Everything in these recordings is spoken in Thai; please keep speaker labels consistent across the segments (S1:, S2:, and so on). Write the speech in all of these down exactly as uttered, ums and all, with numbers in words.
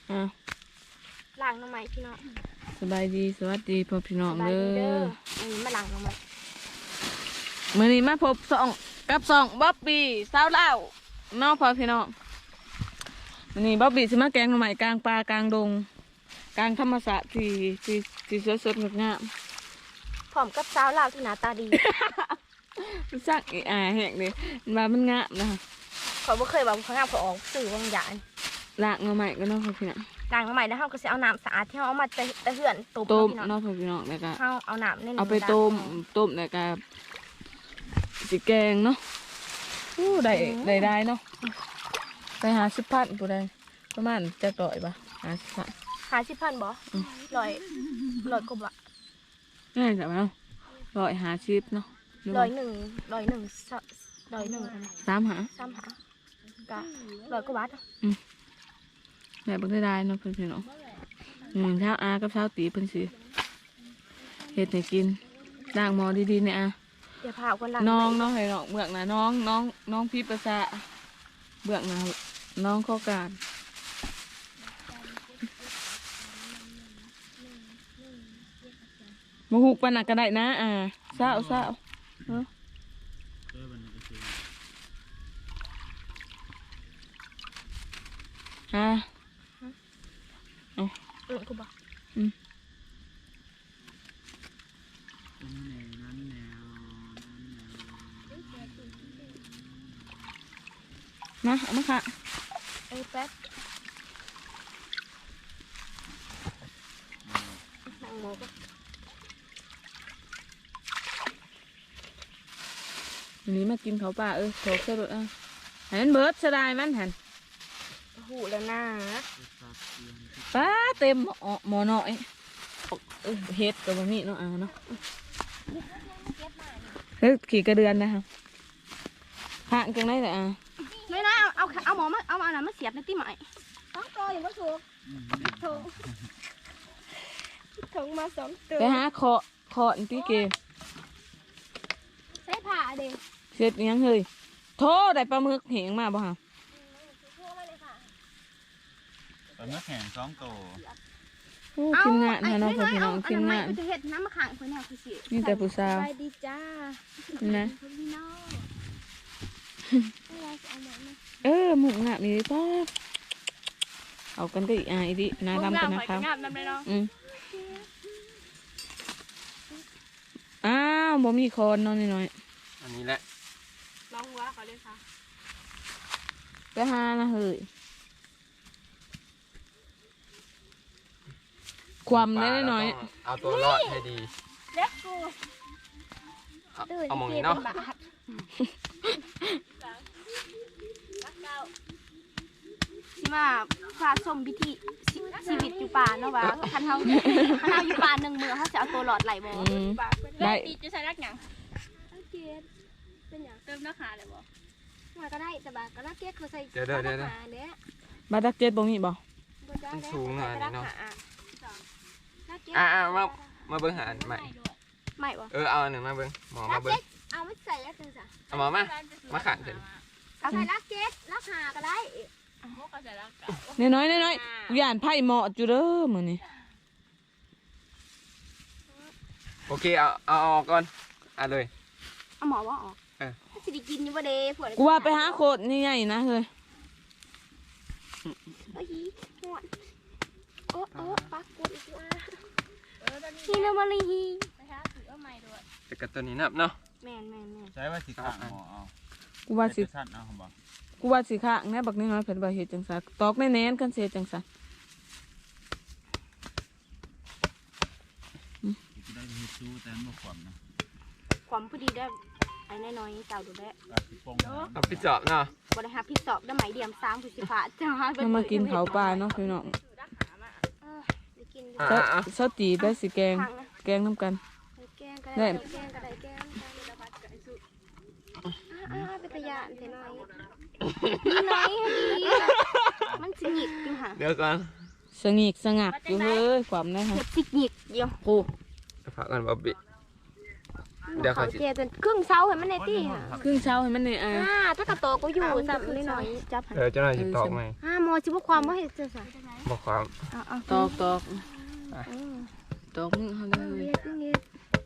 S1: อ่ะ
S2: ล้างน้ำไม้พี่น้อง
S1: สบายดีสวัสดีพ่อพี่น้องเด้อ
S2: อันนี้มาล้างน้ำไม้
S1: มื้อนี้มาพบสองกับสองบ๊อบบี้สาวเล่าน้องพ่อพี่น้องมื้อนี้บ๊อบบี้สิมาแกงหน่อไม้กลางป่ากลางดงกลางธรรมชาติที่ที่ที่สดๆงดงาม
S2: พร้อมกับสาวลาวที่หน้าตาดี
S1: สร้างอีอาแหกเลยมามันงามนะคะ
S2: เขาบ่เคยบอกเขางามเขาออกสื่อบางอย่าง
S1: ล้างหน่อไม้ก็น้องพ่อพี่น้อง
S2: ล้างน้ำไม้แล้วเขาก็จะเอาน้ำสะอาดที่เขาเอามาแต่เหือนต้ม
S1: ต้ม
S2: พี่น้อง
S1: น้องพ่อพี่น้องแล้วก็
S2: เขาเอาน้ำใน
S1: เอาไปต้มต้มแล้วก็สิแกงเนาะอู้ได้ได้ได้เนาะไปหาสิบพันผู้ใดประมาณจะต่อยปะหาสิบพัน
S2: หาสิบพันบ่ร้อยร้อยกว่าบาท
S1: ง่ายจังเนาะร้อยหาสิบเนาะ
S2: ร้อยหนึ่งร้อยหนึ่งร้อยหนึ่ง
S1: สามหา
S2: สามหาก็ร้อยกว่าบาท
S1: ได้บักได้ได้เนาะเพื่อนพี่น้องหนึ่งเช้าอากับเช้าตีเพิ่นสิเฮ็ดให้กินล้างหม้อดีๆเนี่ยอา
S2: เดี๋ยวพาคนล้าง
S1: น้องน้องให้น้องเบือกนะน้องน้องน้องพี่ประสาเบือกนะน้องข้อการมาหุกปันนักก็ได้นะอ่าเศร้าเศร้าเนาะฮะ
S2: เออกูบอก
S1: อืมมาเอามาค่ะ
S2: เอ้ยแป๊บนั่งโมก็
S1: วันนี้มากินเขาวป่าเออโถกเสร็จอ่ะหันเบิร์ดสดายมันหัน
S2: หูแล้วนะ
S1: ป้าเต็มหม้อหม้อน้อยเออเฮ็ดกับบะหมี่เนาะอ่าเนาะเฮ้ยขี่กระเดือนนะครับห่างกันได้แต่อ่า
S2: ไม่นะเอาเอาเอาหมอมาเอาเอาหนามาเสียบในตีใหม่ต้องตัวอย่างว่าถูกถูกถุงมาสองตัว
S1: ไปหาเคาะเคาะตีเกม
S2: ใส่ผ้าเด็ก
S1: เสร็จยังเฮ้ยโทษได้ปลาหมึกเหงมาบ่ฮะ
S3: ตอนนี้แข่งสองตัว
S1: โอ้ทีมงานนะน้องพ่อพี่น้องทีมงาน
S2: จะเห็ดน้ำมะขามคนแนวคือสิ
S1: นี่แต่ผู้สาว
S2: ไปดีจ้า
S1: นะ
S2: พี่น้องเอาหมอนมา
S1: เออหมุกงามนี่ป้าเอากันดิอ่าอีดินาดำกันนะครับ
S2: งามน้ำเลยเนาะ
S1: อืมอ้าวบ่มีคอนนอนน้อย
S3: อันนี้แหละ
S2: น้องหัวขอเลยค่ะ
S1: ๆไปหานะเฮ้ยความได้น้อย
S3: เอาตัวรอดให้ดี
S2: เล็กกู
S3: เอาเอามองนี้เนาะ
S2: สิมาพาชมพิธีชีวิตอยู่ป่าเนาะวะคันเฮาคันเฮาอยู่ป่าหนึ่งมือเขาจะเอาตัวหลอดไหลบ่
S1: ๆอืมได้
S4: ตีจะใช้รักหยัง
S2: เกตเป็นอย่าง
S4: เติมหน้าขาเลยบ่
S2: มาก็ได้แต่บาก็น่าเกตเขาใส่
S3: เดี๋ยวเดี๋ยวเดี๋ยว
S2: เนี้ย
S1: บาดักเจ็ดบ่มีบ่
S3: มันสูงอ่ะนี่เนาะ
S2: อ่ะ
S3: อ่ามามาเบิ้งหาใหม่
S2: ไม่บ่
S3: เออเอาอันหนึ่งมาเบิ้งหมอมาเบิ้ง
S2: เอาไม่ใส่แล้วจังจ้ะ
S3: เอาหมอมามาขันเถอะ
S2: เอาใส่ลักเกตลักหาก็ได้
S4: พวกเขาใช้รักเก่า
S1: น้อยๆน้อยๆย่านไผ่เหมาะจุเด้อมื้อนี้
S3: โอเคเอาเอาออกก่อนอ่ะเลย
S2: เอาหมอว่าออก
S3: เออ
S2: สิได้กินอยู่บ่เด้พวก
S1: กูว่าไปหาโคตรนี่ใหญ่นะเฮ้ย
S2: โอ้ยหวนโอ้โอ้ปักกดอีกแล้วฮีโนมาลีฮี
S4: ไปหาถือเอาไม้ด้วย
S3: แต่กับตัวนี้นับเนาะ
S2: แม่นแม่นแม่น
S5: ใช้ว่าสิข้างหมอเอา
S1: กูว่าสิ
S5: สั้นเอาผมบอก
S1: กูว่าสิข้างแน่บักน้อยๆเพิ่นบ่เฮ็ดจังซั่นตอกแน่ๆกันเสียจังซั่น
S5: จะได้มีซูแต่ไม่ขวมนะ
S2: ความพอดีได้ไอ้น้อยๆเต่าดูแล
S5: ปลาสิโป่ง
S3: เอาไปจอบเนาะ
S2: บ่ได้หาพี่สอบได้ไหมเดียม3คือสิฟ้าจ้า
S1: เรามากินเขาวปลาเนาะพี่น้อง
S2: ได้กิน
S3: อ่า
S1: เซา
S3: อ่ะ
S1: เซาตีได้สิแกง
S2: ทางนะ
S1: แกงน้ำกัน
S2: แกงก็ได้แกงก็ได้แกงอ่าเป็นตะยานแต่น้อยน้อยดีมันสิหยิกอยู่ห่า
S3: เดี๋ยวก่อน
S1: สงิกสงักอยู่เฮ้ยความได้ฮะ
S2: เห็ดสิหยิกเดียว
S1: กู
S3: ฝากกันบ๊อบบี้ เดี๋ยว
S2: เขา
S3: เขาสิ
S2: เจจนครึ่งเช้าเห็นมันในตี้ค่ะ
S1: ครึ่งเช้าให้มันเนี่ยอ่ะ
S2: อ่าถ้ากระโตก็อยู่ซ้ำนิดหน่อยจับหัน
S3: เออเจ้าหน้าที่ตอกไหม
S2: อ่าหมอสิบ่ความบ่เฮ็ดจังซั่น
S3: บอกความ
S2: เอาเอา
S1: ตอกตอก
S2: เออ
S1: ตอกมึงเขาเล
S2: เอา
S1: ย
S2: เฮ็ดเฮ็ด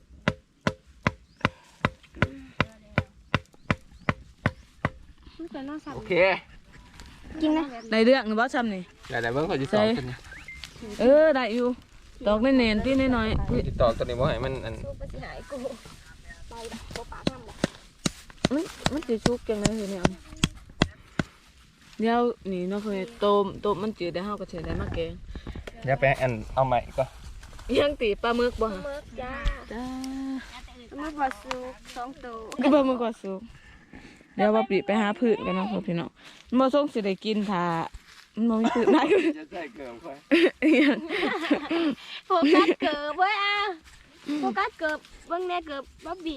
S2: มันก็น่าสั่น
S3: โอเค
S2: กินนะ
S1: ได้เรื่องหรือบ่ซ้ำนี่
S3: เดี๋ยวเดี๋ยวเบิ่งขอจิตต่อตัวนี้
S1: เออได้อยู่ตอกแน่นๆพี่น้อย
S3: ขอจิตต่อตัวนี้บ่ให้มันอัน
S2: สู้ไปสิหายกูไปบ่ปากนำบ่
S1: ๆมันมันสิชุกจังได๋เนี่ยเดี๋ยวนี่เนาะเพิ่นต้มต้มมันจืดได้เฮาก็สิได้มาแกง
S3: เดี๋ยวไปอันเอาใหม่ก็
S1: ยังตีปลาหมึกบ่ฮะ
S2: เมิกจ้า
S1: จ้า
S2: เมิกบ่สุกสองตัว
S1: ก็ปลาหมึกก็สุกเดี๋ยวว่าปีไปหาพืชกันเนาะพี่น้องมันบ่ส่งสิได้กินถ้ามันบ่มีพืชได้
S3: จะใส่เกลือค่อย
S2: โฟกัสเกิบเว้ยอ่ะโฟกัสเกิบเบิ่งแน่เกิบบ๊อบบี้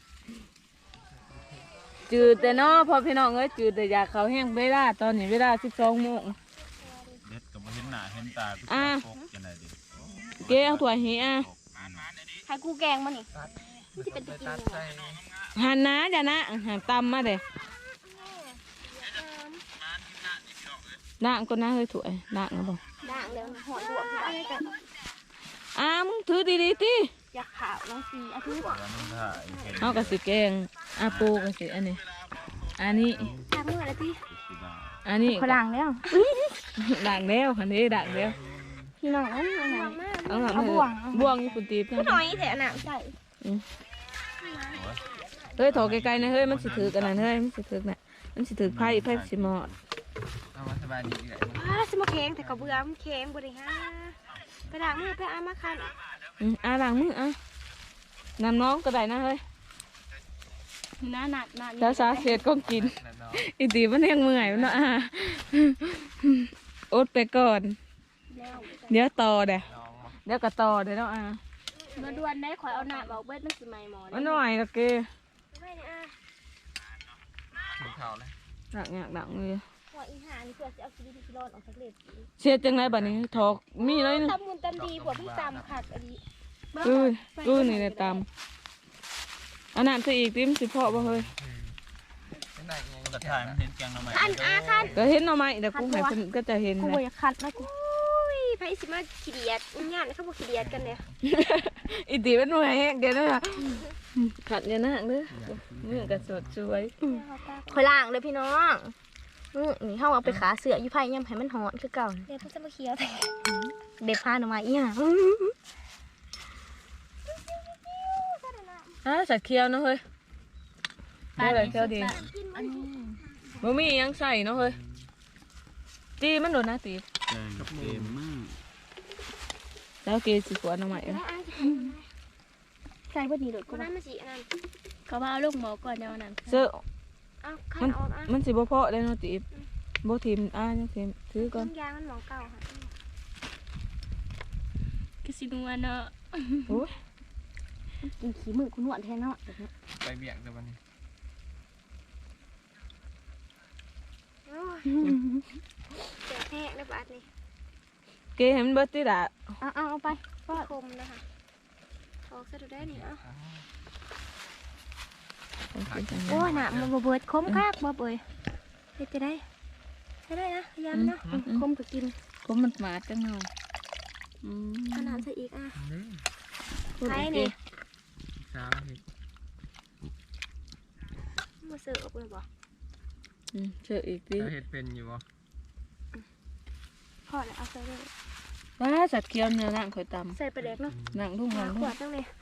S1: จืดแต่เนาะพอพี่น้องเอ้ยจืดแต่อยากเขาแห้งเวลาตอนนี้เวลาสิบสองโมง
S5: เด็ดก็บ่เห็นหน้าเห็นตาทุก
S1: อ่า
S5: ปกจังได๋ดิ
S1: เก้เอาถั่วเฮีย
S2: ให้กูแกงมันนี่มันสิเป็นตะกินยังไง
S1: หันนะเดี๋ยวนะหันตำมาเด้ด่างก็น่าเฮ้ยถั่วด่างนะบ่
S2: ด่างแล้วหอยบวกอะไรกัน
S1: อ้ามึงถือดีๆติ
S2: อยากขาวน้องสีอาทิตย์
S5: แล้วมันถ่ายเห็น
S1: เอากระสิแกงอาปูกระสิอันนี้อันนี้
S2: ทำเมื่อไรพี่
S5: สิได้
S1: อันนี้
S2: เขาด่างแล้ว
S1: ด่างแล้วคันนี้ด่างแล้ว
S2: พี่น้องเอาหน่อย
S1: เอาหน่อย
S2: เอาบ่วง
S1: บ่วงอยู่ปุ่นตีบ
S2: ก็น้อยแถวหนังใส่
S1: เฮ้ยถอไกลๆนะเฮ้ยมันสิถือกันนะเฮ้ยมันสิถือน่ะมันสิถือไผ่ไผ่สิหมอด
S3: เอามาสบายดีอีกแล้ว
S2: อ้าสมแข็งแต่กระเบื้อมันแข็งบริหารไปด่างมือไปอามาคัน
S1: อืมอ่าด่างมืออ่ะนำน้องก็ได้นะเฮ้ย
S2: หน้าหนักหน้า
S1: สาสาเศษก็กิน
S3: นั่นเนาะ
S1: อีตีมันยังเมื่อยมันเนาะอ่ะอดไปก่อน เดี๋ยวต่อเด้อ
S3: น้องมา
S1: เดี๋ยวก็ต่อเดี๋ยวเนาะอ่ะ
S2: มาด่วนได้ขอยเอาหน้าบอกเบิดมันสิไหม่หมอ
S1: มันหน่อยละเก
S2: ไม่เนี่ยอ่ะ
S3: กินข้าวเลย
S1: ดักอยากดักเลย
S2: หัวอีหานี่เพื่อจะเอาชีวิตที่รอดออกจากเลด
S1: เสียจังไรบัดนี้ถอกมีอะไรนึง
S2: ตำมุนตำดีผัวพี่ตำขาดอันนี้
S1: อืออือนี่ในตำอันนั้นจะอีกติมสิเพาะบ่เฮ้ย
S3: ไม่ได้ไง
S5: กระถ่ายมันเห็นแกงหน่อไม้
S2: คันอาคัน
S1: ก็เห็นเอาไหมเดี๋ยวกูให้เพิ่นก็จะเห็น
S2: กู
S1: นะ
S2: อยากคัดนะกูไผสิมาขี้เดียดงานเขาบอกขี้เดียดกันเนี่ย
S1: อีตีเป็นหน่วยแห้งเดี๋ยวนะขัดเนี่ยนะเด้อมือก็สดสวย
S2: คอยล่างเลยพี่น้องนี่นี่เฮาเอาไปขาเสืออยู่ไผย่ำให้มันหอนคือเก่าเดี๋ยวมันจะมาเคี้ยวแต่เด็ดพาหน่อไม้อีหยัง
S1: อ่ะสัตว์เคี้ยวเนาะเฮ้ยได้เลยเคี้ยวดีบ่มีหยังใส่เนาะเฮ้ยตีมันโดนนะตี
S5: แกงกับเกมมาก
S1: แล้วเกสิขวดเอาใหม่
S2: ใส่บ่ดีโดดกูนั้นมันสิอันนั้น
S4: เขาว่าเอาลูกหมอก่อนเดี๋ยวนั้น
S1: เสื้อ
S2: เอาคั
S1: มัน น
S2: ออกอ่ะ
S1: มันสิบ่เพาะได้เนาะตีบ่ทิมอ่ะยังทิมถือก่อน
S2: ยางมันหมองเก่าค่ะ
S4: ก็สินัวเนาะ
S1: โอ้ย
S2: กินขี้มือกูนวดแทนเนาะ
S3: ไปเบี่ยงเดี๋ยววันนี้
S2: เจ็บแห้งแล้วบาดนี่
S1: เกให้มันเบิดติล่ะ
S2: เอาเอาเอาไปฟาดคมนะคะออกซะดูได้นี่เอ่ะโอ้ยน่ะมันบ่เบิดคมคักบ่เบยเฮ็ดจะได้ใช้ได้นะพยายามนะคมก็กิน
S1: ก็มันหมาจังเนาะอืม
S2: ขนาดซะอีกอ่ะ
S1: พูด
S2: ใคร
S1: โอเค
S2: นี่
S3: ช้าเห็ด
S2: มาเสิร์ฟเลยบ่
S1: อืมเชื่ออีกที
S3: ช้าเห็ดเป็นอยู่บ่
S2: พอแล้วเอาใส่เลย
S1: ว้าสัตว์เคี้ยวเนื้อนั่งคอยต
S2: ใส่ไปเล็กเนาะ
S1: ำนั่งทุ่ง
S2: หา
S1: นั่ง
S2: ข
S1: ทุ่
S2: ว
S1: ง
S2: ดตั้งเลย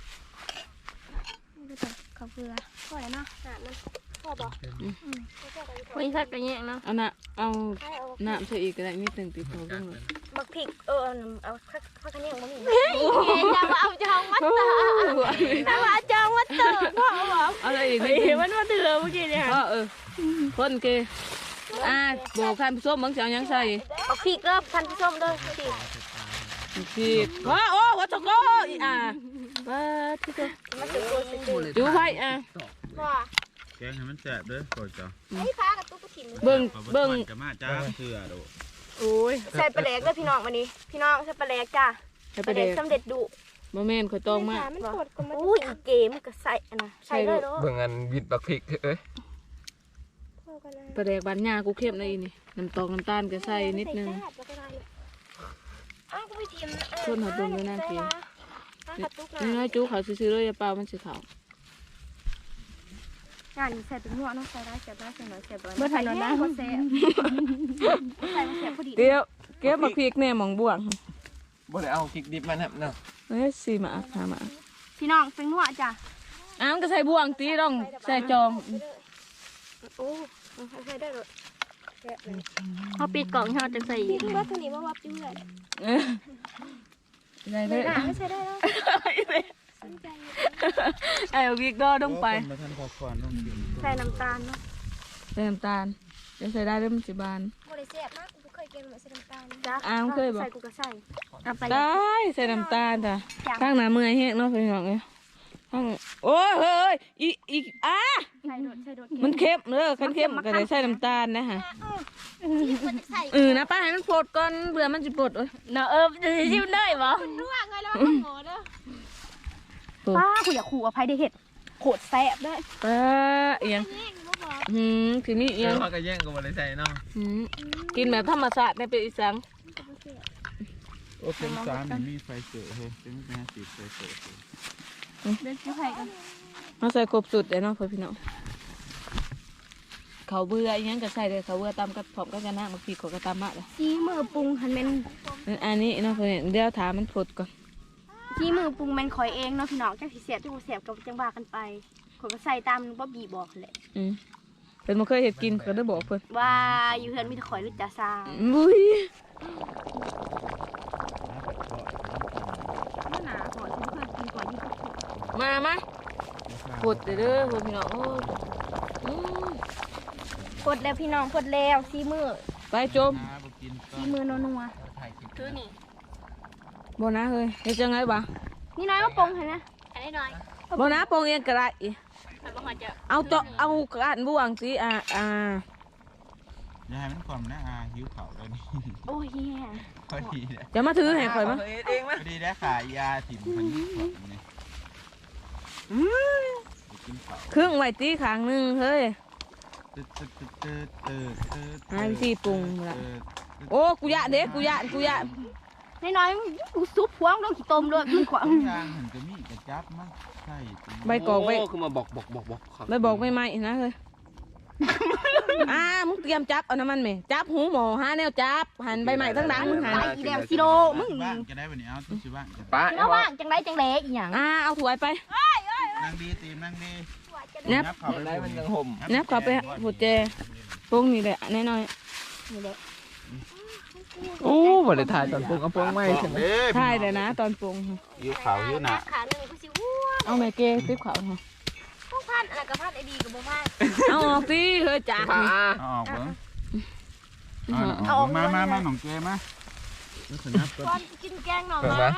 S2: ดูแต่ข้าวเกลือพอแล้วเนาะหามันพอบ่
S4: คนสัตว์กันแยงเนาะ
S1: เอาน่ะเอา
S2: ใช่เอา
S1: น้ำเชื่ออีกก็ได้นิดหนึ่งติดตัวต้องเลย
S2: บักพริกเออเอาข้าวข้าวคะแนนบ่มีจะมาเอาจองวัดเตอร์จะมาเอาจองวัดเตอร์พ่อบอก
S1: เอาอะไรอีก
S4: เฮ้ยมันมาเถื่อเมื่อกี้เนี่ย
S1: พ่อเออคนเกอ่าบอกท่านผู้ชมบางสิ่งยังใส่
S2: บักพริกเด้อท่านผู้ชมเด้อพริก
S1: ผิดว้าโอ้วัชโกอีอ่าว้าที่ตัว
S2: มาสึกตัวสึกตัว
S1: จูไฟอ่ะ
S2: ว่า
S5: แกงให้มันแซ่บเด้อก่อนจ้ะ
S2: ไอ้ฟ้ากับตุ๊กถิ่น
S1: เบิ่ง
S5: เอา
S1: เบิ่ง
S5: จะมาจ้าเชื่อโด
S1: โอ้ย
S2: ใส่ปลาแหลกด้วยพี่น้องวันนี้พี่น้องใส่ปลาแหลกจ้า
S1: ให้
S2: ป
S1: ไป
S2: ลาแหล
S1: เด็
S2: ก
S1: ก
S2: สำเร็จดุ
S1: โมเมนต์คอยตองมาก
S2: อุ้ยอีเกมก็ใส่อันนะใส่เลยเนาะ
S3: เบิ่งอันวิดบักพริกเอ้ย
S1: ไปเด็กบ้านยากูเข้มในอีนี่น้ำตกน้ำตาลก็ใส่นิดนึง
S2: อ้าวกูไปทีม
S1: ส่วนหัวดุมด้วยนั่นเอง
S2: กระตุก
S1: นี่น้อยจุเขาซื้อๆเลยอย่าเปล่ามันสิเขา
S2: งานใส่เป็นหัวน้องใส่ได้เสียบได้เสียบน้อยเสียบ
S4: เมื่อถ่ายนอนนะ
S2: บ่เสียบใส่มาเสียบพอดี
S1: เดี๋ยวเก็บมาพริกแน่หมองบ่วง
S3: บ่ได้เอาพริกดิบมานะเนาะ
S1: เอ้ยสีหมาหาหมา
S2: พี่น้องเป็นหัวจ้ะ
S1: อ้าวมันก็ใส่บ่วงตีต้องใส่จอง
S2: โอ้ใส่ได้เลย
S4: เขาปิดกล่องให้เราจะใส่อีก
S2: ว่าตัวนี้ว่าวับจิ้มเลย
S1: เออได้เลย
S2: ไม่ใช่ได้แล้ว
S1: ไอ้วิกดอต้องไป
S5: มาท่านพอควันต้องกิน
S2: ใส่น้ำตาลเนาะ
S1: ใส่น้ำตาลจะใส่ได้เริ่มสิบาน
S2: บ่ได้เสียบมากกูเคยกินแบบใส่น้ำตาลจ้ะ
S1: อ้าวเคยบอก
S2: ใส่กูก็ใส่เอาไป
S1: ได้ใส่น้ำตาลจ้ะข้างหน้าเมื่อยแห้งเนาะพี่น้องเอ้ยข้างโอ้ยเฮ้ยอีอีอ่ะ
S2: ใส่โดดใส่โดด
S1: มันเค็มเด้อคันเค็มก็ได้ใส่น้ำตาลนะฮะ
S2: ที่ควรจะใส่
S1: เออนะป้าให้มันปลดก่อนเบื่อมันจะปลดเอ้ย
S4: เนาะเออจะชิมได้ปะ
S2: รั่วไงแล้วมันโง่เด้อป้ากูอยากขู่อภัยได้เห็ดโคตรแซ่บได้
S1: ป้าเอียงหืมทีนี้
S3: เอ
S1: เอียง
S3: อก็แย่งกันบ่ได้ใส่เนาะ
S1: หืมกินแบบธรรมชาติในเป็นอีสัง
S5: โอ้เป็นสารนี่มีไฟเสือเฮ้ยเป็นแม่สีไฟเสือ
S2: เดินกู้ภัยกัน
S1: มาใส่ครบสุดเลยเนาะพี่น้องเขาเบื่ออีหยังก็ใส่เลยเขาเบื่อตำกับผอมก็จะนั่งมาพีกก็ตำมากเลย
S2: ซีมือปรุงหันเป็น
S1: อันนี้เนาะพี่เดี๋ยวถามมันผดก่อน
S2: ซีมือปรุงแมันคอยเองเนาะพี่น้องจังสิเสียบจังบ่เสียบกับจังบากันไปขอยก็ใส่ตามบ่บีบอกแหละ
S1: อืมเป็นมาเคยเห็ดกินก็ได้บอกเพิ่น
S2: ว่าอยู่เฮือนมีแต่ข่อยรู้จักซา
S1: บุ้ย
S2: หนาข่อยที่เคยกินข่อยนี่ก็
S1: มามาผดเด้อเด้อเพิ่นพี่น้องโอ้ยอืม
S2: พดแล้วพี่น้องพดแล้วซีมือ
S1: ไปจม
S5: น้าบ่กินก็
S2: ซีมือนัว
S3: ถ่ายคลิป
S2: ๆคือนี่
S1: บ่นะเฮ้ยเฮ็ดจังไงบ่
S2: นี่น้อยมาปรุงให้นะ
S4: อันนี้หน่อย
S1: บ่นะปองเองก็ได้
S4: มันบ่หอจะ
S1: เอาเจาะเอากระดานบ่วงสิอ่าอ่า
S5: อย่าให้มันก่อนนะอาหิวเข่าแล้วนี่
S2: โอ้ยแย่
S5: พอดีเลย
S1: จะมาถือให้ข่อยมั้ย
S3: เฮ็ดเอง
S5: พ
S3: มั้ย
S5: อดีได้ขายยาถิ่มพันธุ์ของนี่กินเข่า
S1: ครึ่งไว้ตีข้างหนึงเฮ้ย
S5: ตึ๊ดตึ๊ดตึ๊ดตึ๊ดตึ๊ด
S1: หาวิธีปรุงล่ะ โอ้กูยะเด้กูยะกูยะ
S2: น้อยๆกูซุปพวงลงขี้ต้มเลยมันขวาง
S5: ทุกอย่างเห็นจะมีกระจับมั้งใช่
S1: ใบกอกไว้
S3: โคือมาบอกบอกบอกบอกครับ
S1: ไม่บอกไม่ไม่นะเฮ้ย อ่ามึงเตรียมจับเอาน้ำมันไหมจับหูหมอหาแนวจับหันใบใหม่ทั้งดังมึงหัน
S2: ไปอีแล้วซิโดมึง
S5: บ้างจะได้วันนี้เอาตุ๊ชิบ้างจะ
S3: ป้า
S2: แล้วว่างจังไรจังเละอีหยัง
S1: อ่าเอาถ้วยไป
S5: นั่งดีตีมนั่งดี
S1: เน็บ
S5: เข่า
S3: ได้มันยังห่ม
S1: เน็บเข้าไปหัวเจปรุงนี่แหละน้อย
S3: โอ้บ่ได้ถ่ายตอนปรุงเอาปรุงไม่ใช่ไหม
S1: ๆถ่ายเลยนะตอนปรุง
S5: หิวเข่าหิวหนา
S2: ขาหนึ่งกูสิอ้วน
S1: เอาแม่เกติ๊บเขาเนาะ
S2: พวกพันอะไรกับพันไอดีกับบ่พัน
S1: เอาออกสิเฮ้ยจ้า
S3: ป้า
S5: เอาออกเบิ้งเอาออกมามามาหนองเกมาแล้วขนับก่อน
S2: ก่อนกินแกงหน่อไม้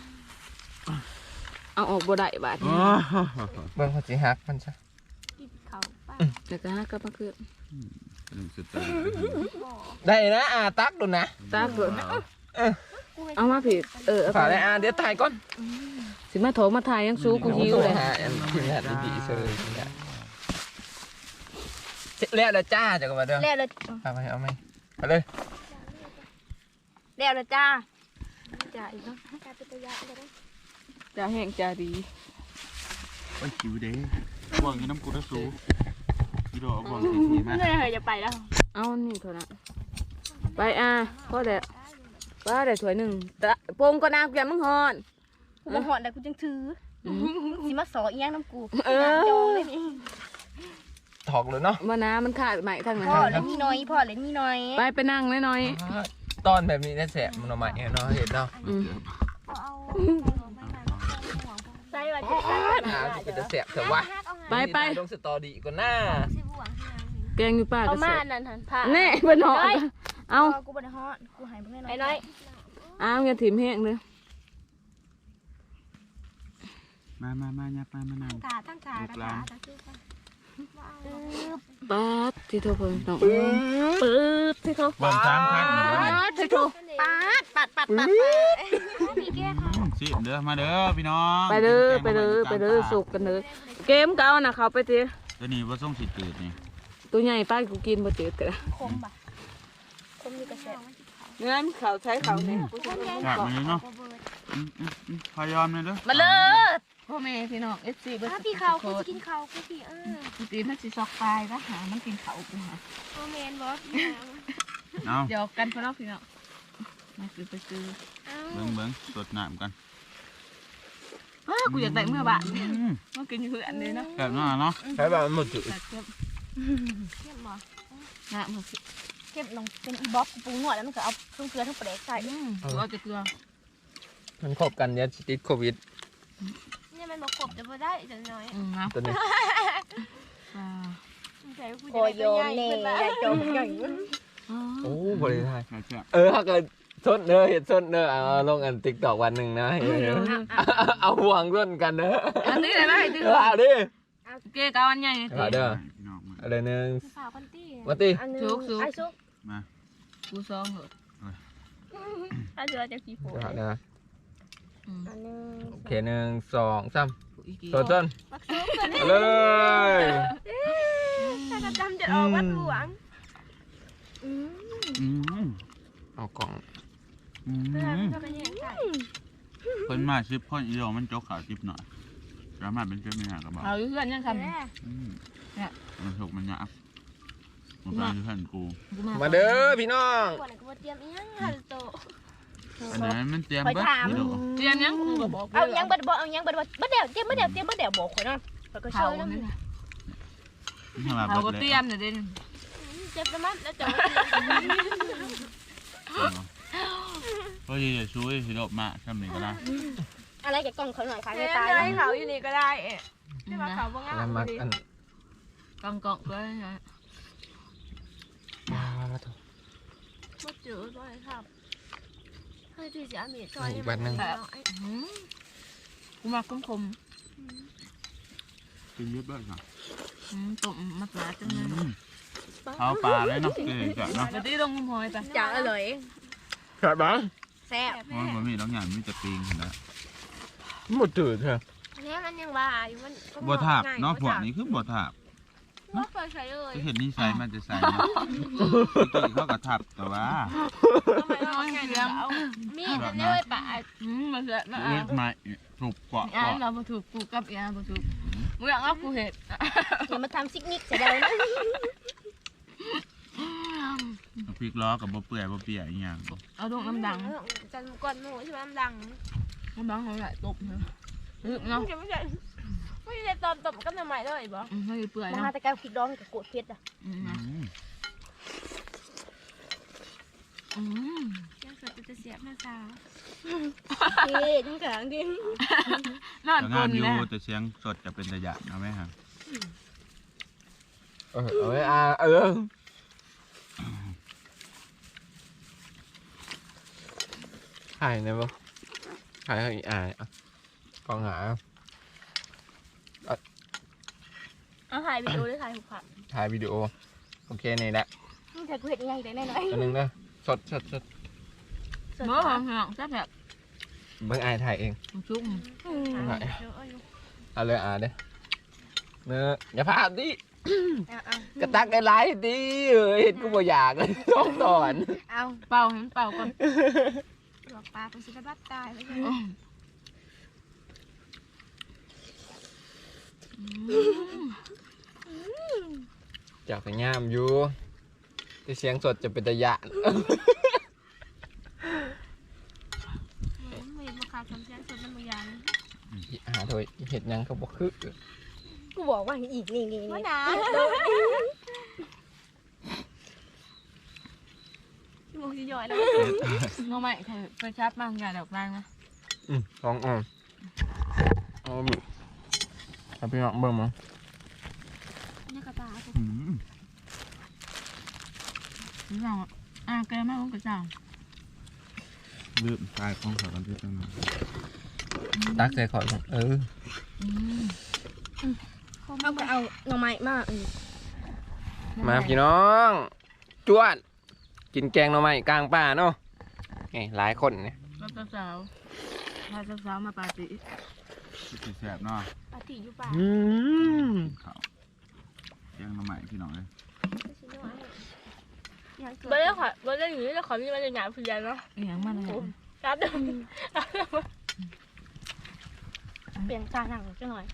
S1: เอาออกบ่ได้บาดนี้
S3: เบิ่งเขาสิฮักมันซะ
S2: กินเขาป้า
S1: แต่ก็ฮักก็มาคือ
S5: หนึ่งสุดตา
S3: ได้นะอาตักดูนะ
S1: ตาเกิดเอามาผิดเออเอา
S3: ฝา
S1: ไป
S3: ได้อาเดี๋ยวถ่ายก่อน
S1: สิมาโถมาถ่ายยังสู้กูหิวเลย
S3: หาอันที่แรกดีๆเชิญแล้วแล้วจ้าจะกันมาเด้อ
S2: แล้วเลย
S3: เอาไปเอาไหมไปเลย
S2: แล้วเลยจ้าจ้าอีกเนาะจ้าเป็นตัวยาก็ได้
S1: จ้าแห้งจ้าดี
S5: โอ้ยหิวเด้บ่วงกินน้ำกูตะสูกิโลบ่วงทีทีมา
S2: เมื่อไหร่จะไปแล้ว
S1: เอานี่เท่านั้นไปอ่ะพ่อเด็ดว่าเด็ดถ้วยหนึ่งตะปรุงก็นางเกลียมมึงหอน
S2: กูมาหอดแต่กูจังถือสิมาสออีหยังน้ำกู
S1: เออ
S2: จองเลยนี่
S3: ถอกเลยเนาะ
S1: มาน้ำมันขาดใหม่ทางนั้น
S2: พ่อเลยนี่น้อยพ่อเลยนี่น้อย
S1: ไปไปนั่งน้อย
S3: ตอนแบบนี้น่าแสบมันออกมาเองเนาะเห็นเนาะ
S1: ๆอืม
S2: ใส่ว่าจะใส่
S3: อาจะเป็นแสบเถอะวะ
S1: ไปไป
S3: ลงสตอรี่ก่อนหน้า
S1: แกงอยู่ป้า
S2: เอา
S1: ก็
S2: มา
S1: เสร็จ
S2: นั่นหันผ้า
S1: แน่เป็นหอนเอา
S2: กูบ่ได้ฮอดกูหายไปแน่นอน
S4: ไอ้น้อย
S1: เอาอย่าถิ่มแห้งเลย
S5: มามามายับมามานั่ง
S2: ขาทั้งขา
S5: ลูกหลาน
S1: ป๊าดที่โทรเพิ่นน้องปื๊ดที่โทร
S5: บ่วงสามพัน
S1: ป๊าดที่โทร
S2: ปัดปัดปัดปัดมีแก้ค่ะ
S5: สิเด้อมาเด้อพี่น้อง
S1: ไปเด้อไปเด้อไปเด้อสุกกันเด้อเกมเก่านะเขาไปที
S5: ตัวนี้ว่าส่งสิตืดนี่
S1: ตัวใหญ่ป้ากูกินบ่จืดกัน
S2: คมป่ะคนมีกระแส
S1: เนื้อเขาใช้เขาเนี่ย
S5: อยากมาเลยเนาะอืมอืมอืมพยายามเลยเด้อ
S1: มาเลยพ่อแม่พี่น้องเอฟซีเบิร์
S2: ถ้า
S1: ด
S2: พี่เขาคุณจะกินเขาคุณพี่เออ
S1: ตีมันสิซอกตายก็หามันกินเขากูหา
S2: โอเมนบอส
S5: เอา
S1: เดี๋ยวกันพ่อน้องพี่น้องมาซื้อไปซื้อ
S5: เบิ้งเบิ้งสดน้ำกัน
S1: ว้ากูอยากได้เมื่อบาท
S5: อืม
S1: มากินเพื่อนเลยเนาะ
S5: แบบนั้นเนาะ
S3: ใช้แบบหมดจุด
S1: แต่เข้ม
S2: เข้มบอ
S1: นะมันสิ
S2: เข้มลงเป็นอีบ๊อบปรุงหน่อยแล้วมันก็เอาเครื่องเกลือทั้งเปลือกใส่
S1: อืมกูเอาแต่เกลือ
S3: มันคบกันเนี่ยติดโควิด
S2: เนี่ยมันมาขบจะมาได้จังน้อย
S1: อืมนะ
S3: ตัวนี้
S1: อ่า
S2: ใส่กูจะได้ตัวใหญ่ขึ้นมาใหญ่จมใหญ่
S3: โอ้บริไทย
S5: ใช่ใช่
S3: เออถ้าเกิดสดเนอเห็ดสดเนอเอาลงอันติ๊กตอกวันหนึ่งนะเห็นไหมเอาห่วงร่วมกันเนอะ
S1: อันนี้เลยนะไอ้ที่
S3: เอาดิ
S1: เกย์กับอันใหญ่
S3: เอาเด้อ
S5: พี่น้องมา
S3: เอาเด้อหนึ่ง
S2: สาวพันตี้
S3: มาตี
S2: อันนึงไอ้ซุก
S5: มา
S1: กูซองเหรอ
S2: ไอ้เสือจะขี้โผล่
S3: เอาเด้อ
S1: อืม
S2: อันนึง
S3: โอเคหนึ่งสองสาม
S1: กูอีกที
S3: ตัวต้น
S2: มักซุกตัวนี้
S3: เอาเลย
S2: ถ้ากระจำจะออกวัดหลวงอืม
S5: อืม
S3: เอากล่อง
S5: อื
S2: เพื่อน
S5: ม
S2: ก็เป็นอย่างไร
S5: เพิ่นมาชิปพ่ออีโดมันจกขาวจิบหน่อยสามารถเป็นเจ้าไม่หากระบอก
S1: เอาอยู่เพื่อนยังทำ
S5: อืม
S1: เนี่ย
S5: มันถูกมันยับมันเป็นเพื่อนกู
S1: กู
S3: มาเด้อพี่น้อง
S2: ก่อนกูเตรียมอีหยังฮัลโต
S5: อันนั้นมันเตรียมเบิดนี่ดู
S1: เตรียมยังกูก็บอก
S2: เอายังบัดบ่เอายังบัดบ่บัดเดี๋ยวเตรียมบัดเดี๋ยวเตรียมบัดเดี๋ยวบอกข่อยเนาะข่อยก็
S1: เขา
S2: ช่วยนำ
S1: เนี่ย
S5: นี่ทำมา
S1: เขา
S5: เบิ
S1: ก็
S5: ดเล
S1: เตรี
S5: ย
S1: ยมเนี่ยเด่น
S2: เจ็บแล้วมั้ยแล้วจะ
S5: เพราะจะช่วยสิโดมาทำนี่ก็ได้
S2: อะไรแกกล่องเขาหน่อยค่ะ
S4: เดี๋
S2: ไม่
S4: ยว
S2: ตาย
S4: ให้เขาอยู่นี่ก็ได้เอ๊ะที่ว่าเขาบ่งา
S3: แล้ว
S4: ม
S3: มา
S4: ดี
S3: อัน
S1: กองกองก็ไง
S3: ว้าวแล้ว
S4: บ่จืดบ่ครับเฮ้ยที่สิอามีซอย
S1: กูมาคมคม
S5: กินเยอะเบิดค่ะ
S1: ตุ่มมะพร้าวจังเลย
S5: เอาปลาเลยเนาะเก๋จัดเนาะ
S1: เดี๋ยวที่ลงงมหอยไป
S4: จังอร่อย
S3: ครับบ้าง
S2: แซ่บ
S5: มันบ่มีน้องอย่างมีแต่ปิงนะ
S3: หมดจืดเถอะ
S2: เนี่ยมันยังว่าอยู่มัน
S5: บ่ทาบเนาะพวกนี้คือบ่ทาบ
S4: บ่เคยใช้เลย
S5: จะเห็นนิสัยมันจะใส่เนาะปกติเขาก็ทับแต่ว่า
S4: ทำไมเราไงเดี๋ยวเอา
S2: มีดเนี่ยไว้ปะ
S1: อืมมันจะมา
S5: เลือดไม้ถูกเกาะ
S1: อ่า
S5: เกาะ
S1: เรามาถูกกูกับอ่ามาถูกมึงอยากเอากูเห็ด
S2: อย่ามาทำซิกนิกเสียดายนะ
S5: พริกล้อกับบ่เปื่อยบ่เปียกอีหยัง
S1: เอาดงน้ำดัง
S4: จันก่อนหมูใช่ไหมน้ำดัง
S1: น้ำดังเขาไหลตบเนาะเนาะ
S4: ไม่ใช่ไม่ใช่ตอนตบกับใหม่เลยบ่
S1: ไม่เปื่อย
S2: มา
S1: เนาะ
S2: หาแต่แก้วพริกดองกับโกดเพชรอ่ะ
S1: อืม
S5: อืม
S1: อืม
S4: ยังสดจะเสียบหน้าสาว
S2: เฮ้ยทั้งแข็งดิ
S1: นอน
S5: แต่
S1: ก
S5: งา
S1: ล
S5: น
S1: น
S5: อยู่
S1: แล้ว
S5: แต่เสียงสดจะเป็นระยะนะแม่ฮะ
S3: เออเอาไว้อ่าเออถ่ายนะบ่ถ่ายให้อีอ่าอ่ะกองหา
S4: เอาถ่ายวิดีโอหรือถ่ายหุบผัก
S3: ถ่ายวิดีโอโอเคนี่แหละ
S2: นี่แต่กูเห็นยังไงแต่แน่นอน
S3: อันนึงนะสดสดสด
S1: เมื่อของหลังแซ่บแบบ
S3: เบิ่งอายถ่ายเอง
S1: ชุ่ม
S3: ถ่ายเอาเลยอ่าเด้อเนื้ออย่าพลาดดิกระตักได้หลายดิเอ้ยเห็นกูบ่อยากเลยต้องสอน
S2: เอา
S1: เป่าเห็นเป่าก่อน
S2: หลอกปลาเป็นสิบบัตตายไปเลย
S3: จากไปงามอยู่ที่เสียงสดจะเป็นตะยะ
S4: ไม่มาขาดคำเสียงสดน้ำมือยาง
S3: อีหาโดยเห็ดหยังก็บ่คือ
S2: กูบอกว่าอีกนี่นี่
S4: ว่า
S2: นี่
S4: นะ ที่มึงจะย่อยแล้ว
S1: น้องใหม่ไปชับมากอย่าดอกแรงนะ
S3: อืมลองอ่อนเอาบิเอาไปลองเบิ่งมั้ง
S4: นี่กระตา
S5: อืม
S1: รู้จักอ่ะแกไม่รู้กระจ่าง
S5: ลืมตายของเขากันที่ตั้งนาน
S3: ตักใส่ขอดก่อนเออ
S2: เอาไปเอาหน่อไม้มาก
S3: มาพี่น้องจวดกินแกงหน่อไม้กลางป่าเนาะไงหลายคนเนี่ย
S1: รถสาวพาสาวมาปาร์ตี้
S5: สิแสบเนาะ
S4: ปาติอยู่ป่า
S3: อืม
S5: เขาเลี้ยงน้ำใหม่พี่น้องเลย
S4: บ่ได้ขอบ่ได้อยู่ที่ขอมีมาจะหยาบเพียนเนาะ
S1: อหย่างมันเลย
S4: ครับเดิม
S2: เปลี่ยนตาหนังจังหน่อย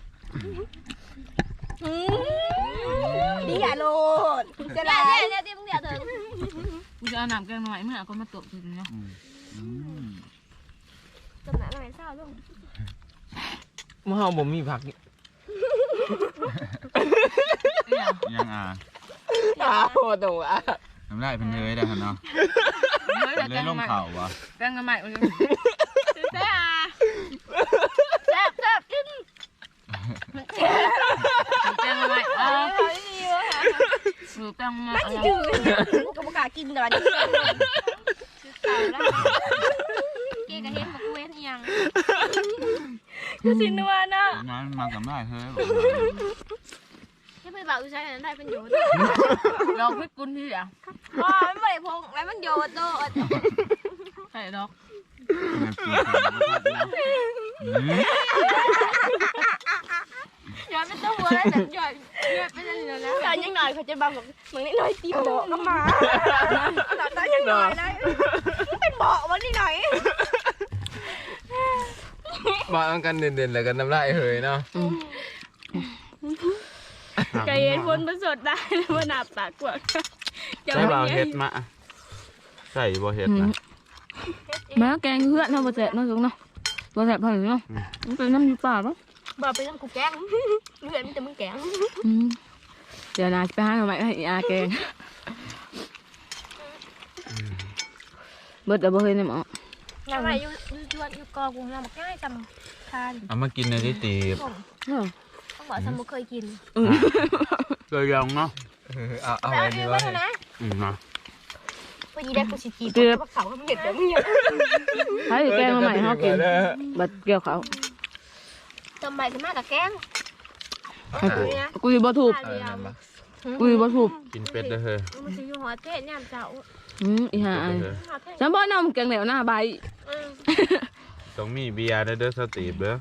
S2: ดีอย่าโลดจะได้เนี่ยที่มึงเดี๋ยวถึง
S1: กูจะเอาน้ำแกงหน่อยเมื่อก็มาตบทีเนาะ
S5: อืมอืม
S2: จำหน้าหน่อยเศร้าลูก
S3: เมื่อเฮาบ่มีผักนี่
S5: ยังอ่ะ
S3: อ้าวตัวอ่ะ
S5: ทำได้เป็นเลยได้เนาะ
S1: เฮ้ย
S5: เล
S1: แก
S5: ย
S1: ง
S5: ลง
S1: ใหม่
S5: เข่าว่ะ
S1: แกงใหม่เลย
S2: แซ่บแซ่บแซ่บกิน
S1: แกงใหม่เออ
S2: เฮ้ยดีวะ
S1: หรือแกงใหม่
S2: ไม่จืดกูก็บอกล้ากินแต่ว่านี่เก่าแล้วเกก็เห็นมากูเห็นยังคือสินัวเนาะ
S5: งั้นมากับได้เฮ้ย
S2: แค่ไปบอกกูใช้อันนั้นได้เป็นโยน
S1: ลองพิกุลที่อ่ะ
S2: อ๋อไม่ได้พงแล้วมันโยนโต
S1: ใส่ดอก
S5: งั้นกินกันมาทัดนะอืม
S2: ย้อนเป็นตัวหัวแล้วแต่ย้อนย้อนเป็นอะไรนะตอนยังหน่อยเขาจะบังแบบเหมือนนิดหน่อยตีเบาะก็มาตอนยังหน่อยเลยเป็นเบาะวันนี้หน่อย
S3: มาเอากันเด่นๆแล้วกันน้ำลายเฮยเนาะ
S2: ไก่เย็นพ้นประสดได้ว่าหนาปากกว่า
S5: ใส่บ่เฮ็ดมาใส่บ่เฮ็ดนะ
S1: มาแกงเพื่อนเนาะบ่แซ่บเนาะสุกเนาะบ่แซ่บเท่าไหร่เนาะมันเป็นน้ำอยู่ป่าปะ
S2: บ่ไปต้องกูแกงเลือดมันจะมึงแกง
S1: อืมเดี๋ยวนาไปหาหน่อไม้ให้อาแกงเบิดเอาบ่เฮ้ยเนี่ยหมอ
S2: ทำไมอยู่อยู่ชวนอยู่กอกูเราบอกง่ายจำทาน
S5: เอามากินในที่ตีบ
S1: เออ
S2: ต้องบอกสมุเคยกิน
S5: เคยลองเนาะ
S3: เอาเอา
S2: แล้ว
S3: ไว้
S2: เอา
S3: ดี
S2: ไว้
S3: ว่า
S2: นะ
S5: อืมนะ
S2: พอดีได้กูสิจีบเพราะเขาเห็ดแล้วมึงเนี่ย
S1: ให้แกงมาใหม่เฮากินบัดเกี่ยวเขา
S2: จำใบกันมากกับแกง
S1: กูสิบ่ถูก
S3: เออนั่นมา
S1: กูสิบ่ถูก
S5: กินเป็ดเด้อเฮ้ย
S2: มันจะอยู่หัวเทศเนี่ยเจ้า
S1: อืมอีห่า
S5: เป็ดเด้อเฮ้ย
S2: หัวเทศ
S1: ฉันบ่นำแกงเหลวหน้าใบ
S5: ต้องมีเบียร์เด้อเด้อสตีบเด้อ